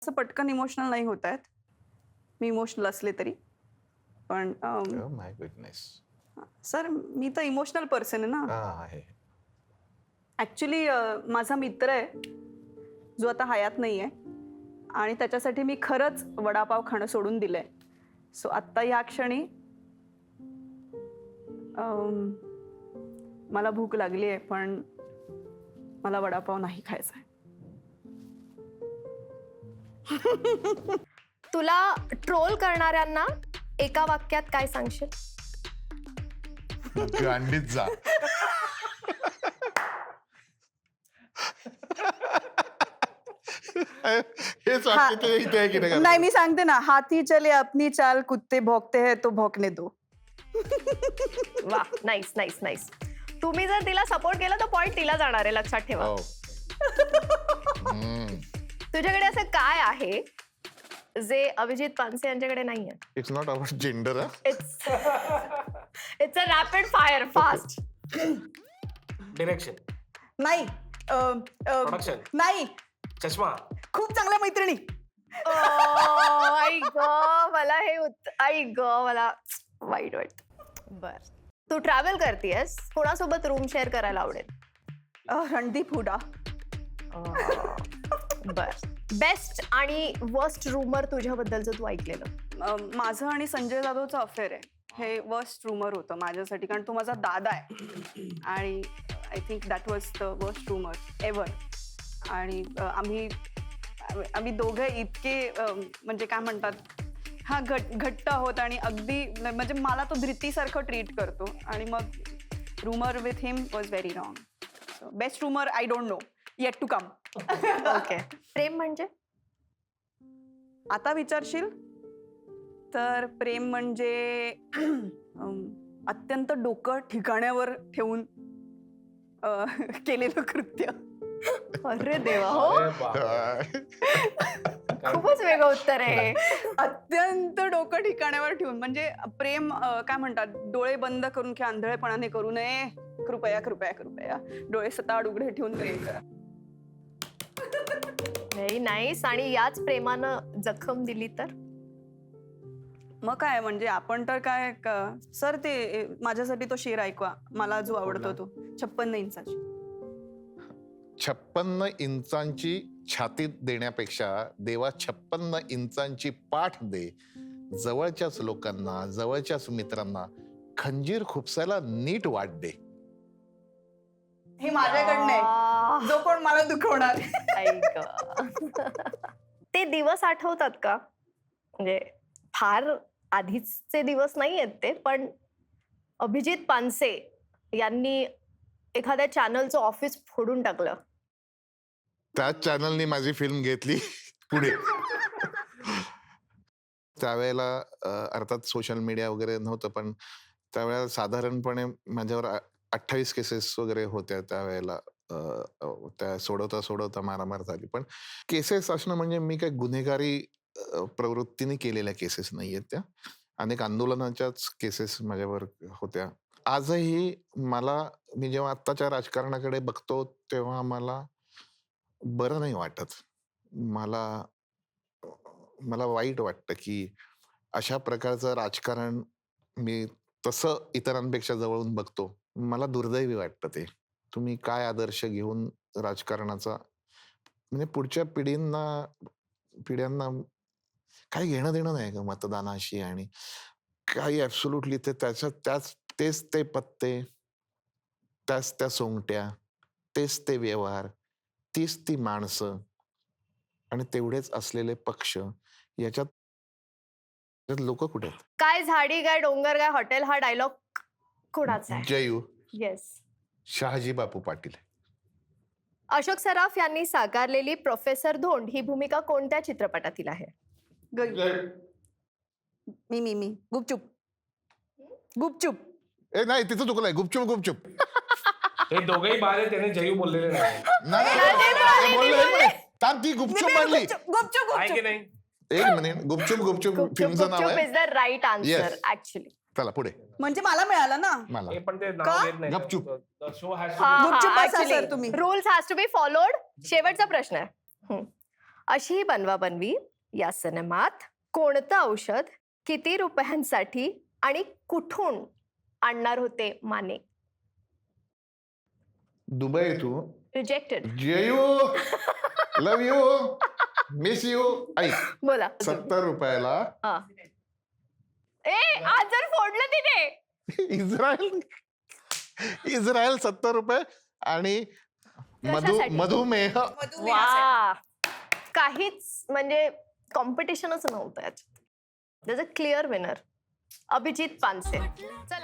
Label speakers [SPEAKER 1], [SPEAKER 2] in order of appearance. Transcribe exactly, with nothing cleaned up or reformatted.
[SPEAKER 1] असं पटकन इमोशनल नाही होत आहेत मी इमोशनल असले तरी पण
[SPEAKER 2] माय गुडनेस
[SPEAKER 1] सर मी तर इमोशनल पर्सन आहे ना
[SPEAKER 2] आहे
[SPEAKER 1] ॲक्च्युली माझा मित्र आहे जो आता हयात नाही आहे आणि त्याच्यासाठी मी खरंच वडापाव खाणं सोडून दिलंय सो आत्ता ह्या क्षणी अम, मला भूक लागली आहे पण मला वडापाव नाही खायचा आहे
[SPEAKER 3] तुला ट्रोल करणाऱ्यांना एका वाक्यात काय सांगशील?
[SPEAKER 2] गांडीत जा हेच वाक्य ते इथे आहे की नाही
[SPEAKER 1] नाही मी सांगते ना हाथी चले अपनी चाल कुत्ते भौंकते हैं तो भौंकने दो
[SPEAKER 3] वा नाईस नाईस नाईस तुम्ही जर तिला सपोर्ट केला तर पॉइंट तिला जाणार आहे लक्षात ठेवा.
[SPEAKER 2] हो. हम्म.
[SPEAKER 3] तुझ्याकडे असं काय आहे जे अभिजित पानसे यांच्याकडे नाहीये?
[SPEAKER 2] It's not about gender
[SPEAKER 3] it's it's a rapid fire fast.
[SPEAKER 4] Direction,
[SPEAKER 1] नाही अ, अ,
[SPEAKER 4] प्रोडक्शन,
[SPEAKER 1] नाही
[SPEAKER 4] चष्मा.
[SPEAKER 1] खूप चांगल्या मैत्रिणी
[SPEAKER 3] आई ग मला हे उत- आई ग मला वाईट वाटत. बर तू ट्रॅव्हल करतेस कोणासोबत रूम शेअर करायला आवडेल?
[SPEAKER 1] अ, रणदीप हुडा
[SPEAKER 3] बर बेस्ट आणि वर्स्ट रूमर तुझ्याबद्दलचं तू ऐकलेलं?
[SPEAKER 1] अ, माझं आणि संजय जाधवचं अफेअर आहे हे वर्स्ट रूमर होतं माझ्यासाठी कारण तो माझा दादा आहे आणि I think that was the worst rumour ever. आणि अ, आम्ही आम्ही दोघं इतके अ, म्हणजे काय म्हणतात हा घट घट्ट आहोत आणि अगदी म्हणजे मला तो धृतीसारखं ट्रीट करतो आणि मग rumour with him was very wrong. So best rumour I don't know yet to come.
[SPEAKER 3] Okay प्रेम म्हणजे?
[SPEAKER 1] आता विचारशील तर प्रेम म्हणजे अम, अत्यंत डोकं ठिकाण्यावर ठेवून अ, केलेलं कृत्य.
[SPEAKER 3] अरे देवा हो
[SPEAKER 4] अरे बाप.
[SPEAKER 3] खूपच वेगळं उत्तर आहे.
[SPEAKER 1] अत्यंत डोकं ठिकाण्यावर ठेवून म्हणजे प्रेम अ, काय म्हणतात डोळे बंद करून किंवा आंधळेपणाने करू नये. कृपया कृपया कृपया डोळे सताड उघडे ठेवून प्रेम करा.
[SPEAKER 3] Very nice. आणि याच प्रेमानं जखम दिली तर?
[SPEAKER 1] मग काय म्हणजे आपण तर काय क- सर ते ए, माझ्यासाठी तो शेर ऐकवा मला जो आवडतो तो छप्पन्न इंचाची.
[SPEAKER 2] छप्पन्न इंचांची छातीत देण्यापेक्षा देवा छप्पन्न इंचांची पाठ दे. जवळच्याच लोकांना जवळच्याच मित्रांना खंजीर खुपसायला नीट वाट दे.
[SPEAKER 1] हे माझ्याकडनं आहे जो कोण मला दुखवणार.
[SPEAKER 3] आई ग. ते दिवस आठवतात का? म्हणजे फार आधीचे दिवस नाही आहेत ते पण अभिजित पानसे यांनी एखाद्या चॅनलचं ऑफिस फोडून टाकलं.
[SPEAKER 2] त्याच चॅनलनी माझी फिल्म घेतली पुढे. त्यावेळेला अ, अर्थात सोशल मीडिया वगैरे नव्हतं पण त्यावेळेला साधारणपणे माझ्यावर अठ्ठावीस केसेस वगैरे होत्या त्यावेळेला. अ, अ, त्या सोडवता सोडवता मारामार झाली. पण केसेस असणं म्हणजे मी काही गुन्हेगारी अ, प्रवृत्तीने केलेल्या केसेस नाही आहेत त्या. अनेक आंदोलनाच्याच केसेस माझ्यावर होत्या. आजही मला मी जेव्हा आत्ताच्या राजकारणाकडे बघतो तेव्हा मला बरं नाही वाटत. मला मला वाईट वाटतं की अशा प्रकारचं राजकारण मी तसं इतरांपेक्षा जवळून बघतो. मला दुर्दैवी वाटतं ते. तुम्ही काय आदर्श घेऊन राजकारणाचा म्हणजे पुढच्या पिढींना पिढ्यांना काही घेणं देणं नाही का मतदानाशी आणि काही ॲब्सोल्युटली ते त्याच्यात त्याच तेच ते पत्ते त्याच त्या सोंगट्या तेच ते व्यवहार तीच ती माणसं आणि तेवढेच असलेले पक्ष याच्यात लोक कुठे आहेत?
[SPEAKER 3] काय झाडी काय डोंगर काय हॉटेल हा डायलॉग कोणाचा आहे?
[SPEAKER 2] जयू
[SPEAKER 3] येस.
[SPEAKER 2] शहाजी बापू पाटील.
[SPEAKER 3] अशोक सराफ यांनी साकारलेली प्रोफेसर धोंड ही भूमिका कोणत्या चित्रपटातील आहे?
[SPEAKER 1] ग- मी मी मी गुपचूप गुपचूप.
[SPEAKER 2] ए नाही तिथं चुकलंय. गुपचूप गुपचूप
[SPEAKER 4] हे दोघेही बारे त्याने जयू बोललेले नाही.
[SPEAKER 2] नाही, नाही, नाही, बोललो, एक मिनिट. थांब, ती गुपचूप म्हणली.
[SPEAKER 1] गुपचूप गुपचूप
[SPEAKER 4] आहे की
[SPEAKER 1] गुपचूप.
[SPEAKER 4] नाही?
[SPEAKER 2] एक मिनिट. गुपचूप गुपचूप फिल्मचं नाव आहे.
[SPEAKER 3] Is the right answer
[SPEAKER 2] Yes.
[SPEAKER 3] Actually.
[SPEAKER 2] चला पुढे.
[SPEAKER 1] म्हणजे मला मिळालं ना.
[SPEAKER 2] मला
[SPEAKER 4] हे पण ते
[SPEAKER 1] का?
[SPEAKER 4] नाव घेत नाही.
[SPEAKER 2] गपचूप.
[SPEAKER 4] शो हॅज
[SPEAKER 1] गुपचूप बसा sir तुम्ही.
[SPEAKER 3] Rules has to be followed. शेवटचा प्रश्न आहे. हम्म. अशी ही बनवा बनवी या सिनेमात कोणतं औषध किती रुपयांसाठी आणि कुठून आणणार होते माने?
[SPEAKER 2] दुबई तू
[SPEAKER 3] rejected.
[SPEAKER 2] Jayu love you miss you ऐक
[SPEAKER 3] बोला.
[SPEAKER 2] सत्तर रुपयाला
[SPEAKER 3] हा. ए आज जर फोडलं तिने.
[SPEAKER 2] इस्रायल इस्रायल सत्तर रुपये आणि मधु
[SPEAKER 3] कशासाठी?
[SPEAKER 2] मधुमेह
[SPEAKER 3] वा, काहीच म्हणजे कॉम्पिटिशनच नव्हतं याच्यात. त्याचं क्लिअर विनर अभिजित पानसे. चला